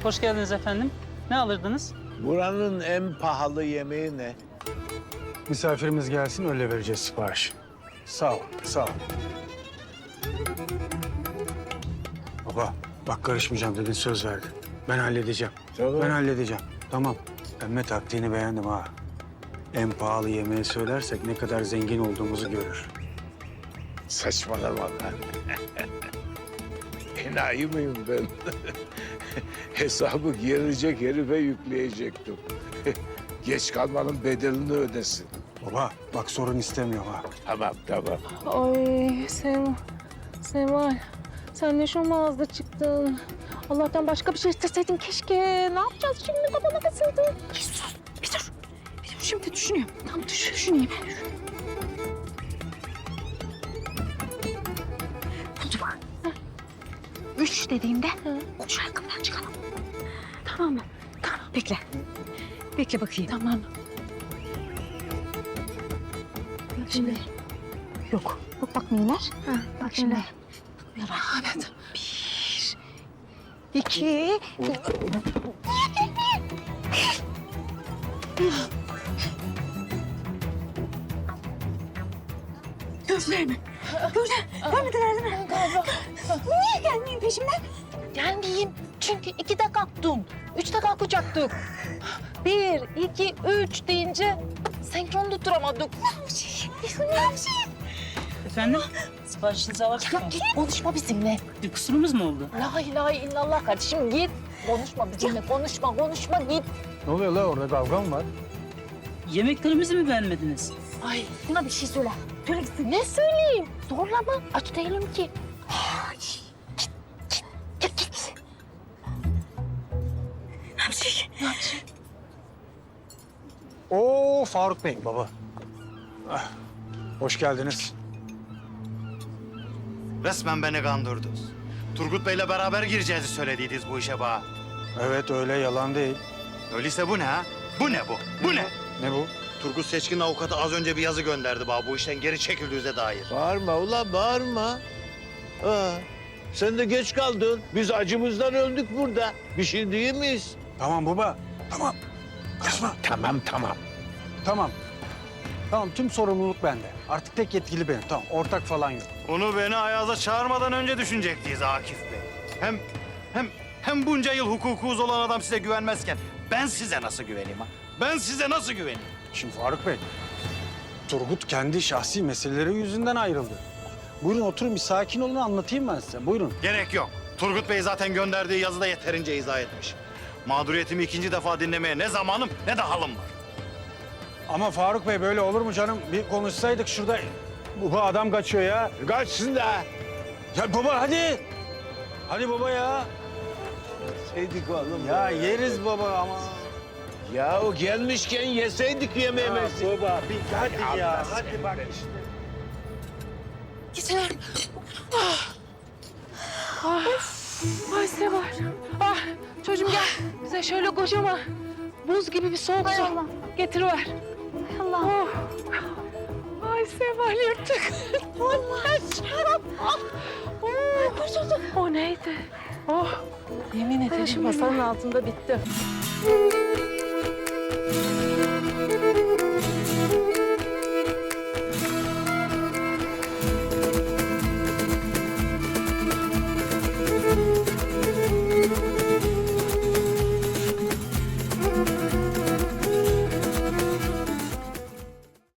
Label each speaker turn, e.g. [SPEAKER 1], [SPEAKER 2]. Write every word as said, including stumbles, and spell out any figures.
[SPEAKER 1] Hoş geldiniz efendim. Ne alırdınız?
[SPEAKER 2] Buranın en pahalı yemeği ne?
[SPEAKER 3] Misafirimiz gelsin öyle vereceğiz sipariş. Sağ ol, sağ ol. Baba bak karışmayacağım dedin, söz verdin. Ben halledeceğim.
[SPEAKER 2] Tamam.
[SPEAKER 3] Ben halledeceğim. Tamam. Pembe taktiğini beğendim ha. En pahalı yemeği söylersek ne kadar zengin olduğumuzu görür.
[SPEAKER 2] Saçmalama lan. Enayi miyim ben? Hesabı gelecek herife yükleyecektim. Geç kalmanın bedelini ödesin.
[SPEAKER 3] Baba bak sorun istemiyorum ha.
[SPEAKER 2] Tamam, tamam.
[SPEAKER 4] Ay Seval, Seval. Sen ne şomazda çıktın. Allah'tan başka bir şey isteseydin keşke. Ne yapacağız şimdi, kafama kasıldı. Bir sus, bir dur. Bir dur, şimdi düşünüyorum. Tam düşün, düşüneyim. Buldum. Ha. Üç dediğimde şu ayakkabıdan çıkalım. Tamam mı? Tamam. Bekle. Bekle bakayım. Tamam. Şimdi. Yok. Yok bakmayınlar. Ha, bak şimdi. Bakmıyorlar. Evet. Bir, iki... Gözlerimi. Gözler. Görmediler değil mi? Galiba. Niye gelmeyin peşimden?
[SPEAKER 5] Gelmeyeyim. Çünkü iki de kalktım. Üç de kalkacaktık. Bir, iki, üç deyince senkron tutturamadık.
[SPEAKER 1] Efendim? Siparişinizi alabilir
[SPEAKER 5] Ya git konuşma bizimle.
[SPEAKER 1] Bir kusurumuz mu oldu?
[SPEAKER 5] La ilahe illallah kardeşim git. Konuşma bizimle, konuşma, konuşma git.
[SPEAKER 3] Ne oluyor la, orada kavga mı var?
[SPEAKER 1] Yemeklerimizi mi beğenmediniz?
[SPEAKER 5] Ay buna bir şey söyle. Söyle gitsin. Ne söyleyeyim? Zorlama. Aç değilim ki. Git, git, git, git. Ne yapacak? Ne yapacak?
[SPEAKER 3] Oo Faruk Bey baba. Ah, hoş geldiniz.
[SPEAKER 6] Resmen beni kandırdınız. Turgut Bey'le beraber gireceğizi söylediydiniz bu işe bana.
[SPEAKER 3] Evet öyle, yalan değil.
[SPEAKER 6] Öyleyse bu ne ha? Bu ne bu? Bu ne?
[SPEAKER 3] Ne bu?
[SPEAKER 6] Turgut Seçkin avukatı az önce bir yazı gönderdi bana bu işten geri çekildiğinize dair.
[SPEAKER 2] Bağırma ulan, bağırma. Aa, sen de geç kaldın. Biz acımızdan öldük burada. Bir şey değil miyiz?
[SPEAKER 3] Tamam baba. Tamam. Kaçma.
[SPEAKER 2] Tamam, tamam.
[SPEAKER 3] Tamam. Tamam, tüm sorumluluk bende. Artık tek yetkili benim. Tamam, ortak falan yok.
[SPEAKER 6] Bunu beni Ayaz'a çağırmadan önce düşünecektiyiz Akif Bey. Hem hem hem bunca yıl hukukuz olan adam size güvenmezken ben size nasıl güveneyim ha? Ben size nasıl güveneyim?
[SPEAKER 3] Şimdi Faruk Bey, Turgut kendi şahsi meseleleri yüzünden ayrıldı. Buyurun oturun, bir sakin olun, anlatayım ben size. Buyurun.
[SPEAKER 6] Gerek yok. Turgut Bey zaten gönderdiği yazıda yeterince izah etmiş. Mağduriyetimi ikinci defa dinlemeye ne zamanım ne de halım var.
[SPEAKER 3] Ama Faruk Bey böyle olur mu canım? Bir konuşsaydık şurada. Bu adam kaçıyor ya.
[SPEAKER 2] Kaçsın da.
[SPEAKER 3] Ya baba hadi. Hadi baba ya.
[SPEAKER 2] Yeseydik oğlum.
[SPEAKER 3] Ya yeriz baba ama.
[SPEAKER 2] Ya o gelmişken yeseydik yemeğimizi.
[SPEAKER 3] Baba bir hadi ya. Hadi bak işte.
[SPEAKER 4] Gitsinler. Ah. Ah. Ay Seval. Ah çocuğum gel. Bize şöyle kocaman buz gibi bir soğuk su getiriver. Allah. Oh. Ay Seval yırttık. Allah şarap. Ah. Oh. Kurtulduk. O neydi? Oh. Yemin ederim masanın altında bitti.